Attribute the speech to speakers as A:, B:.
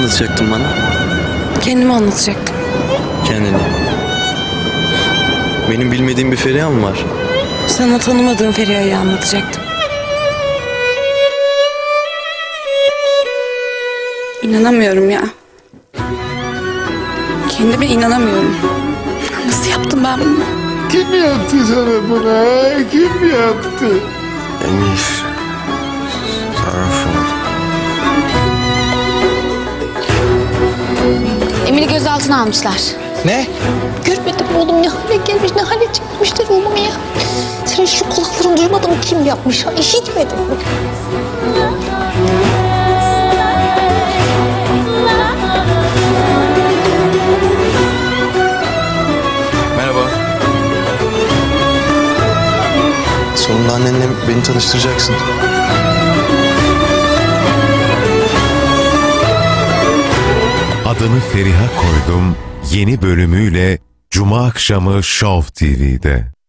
A: anlatacaktın bana?
B: Kendimi anlatacaktım.
A: Kendini. Benim bilmediğim bir Feriha mı var?
B: Sana tanımadığım Feriha'yı anlatacaktım. İnanamıyorum ya. Kendime inanamıyorum. Nasıl yaptım ben bunu?
C: Kim yaptı sana bunu? Kim yaptı?
A: Emir. Sarhoş oldu.
D: Emir'i gözaltına almışlar.
C: Ne?
D: Görmedim oğlum, ne hale gelmiş, ne hale çekmişler oğlum ya. Senin şu kulakların duymadın mı kim yapmış? Ha, işitmedin mi?
A: Merhaba. Sonunda annenle beni tanıştıracaksın.
E: Adını Feriha koydum yeni bölümüyle Cuma akşamı Show TV'de.